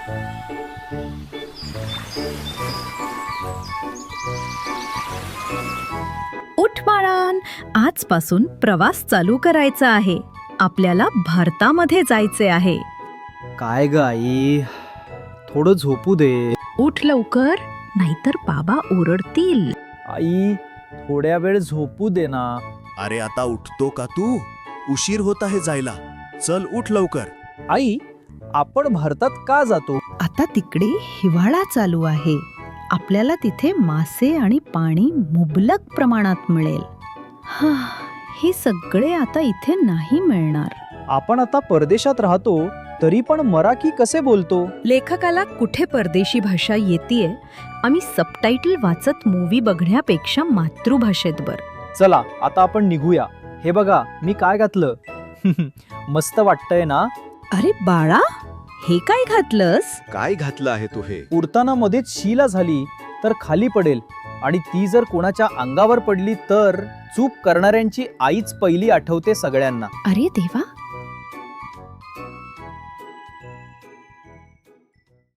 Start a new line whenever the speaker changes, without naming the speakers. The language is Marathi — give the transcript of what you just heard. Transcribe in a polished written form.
उठ बाळान, आजपासून प्रवास चालू करायचा आहे. आपल्याला भारतामध्ये जायचे आहे.
काय ग आई, थोडं झोपू दे.
उठ लवकर, नाहीतर बाबा ओरडतील.
आई, थोड्या वेळ झोपू दे ना.
अरे आता उठतो का तू? उशीर होत आहे जायला. चल उठ लवकर.
आई, आपण भारतात का जातो?
आता तिकडे हिवाळा चालू आहे. आपल्याला तिथे मासे आणि पाणी मुबलक प्रमाणात मिळेल. हे सगळे आता इथे नाही मिळणार.
आपण आता परदेशात राहतो, तरी पण मराठी कसे बोलतो?
लेखकाला कुठे परदेशी भाषा येतीये? आम्ही सबटायटल वाचत मूवी बघण्यापेक्षा मातृभाषेत बर.
चला आता आपण निघूया. हे बघा मी काय घातलं. मस्त वाटतंय ना?
अरे बाळा, हे काय घातलंस?
काय घातलं आहे तू हे?
उडताना मध्येच शिला झाली तर खाली पडेल, आणि ती जर कोणाच्या अंगावर पडली तर चूक करणाऱ्यांची आईच पहिली आठवते सगळ्यांना.
अरे देवा,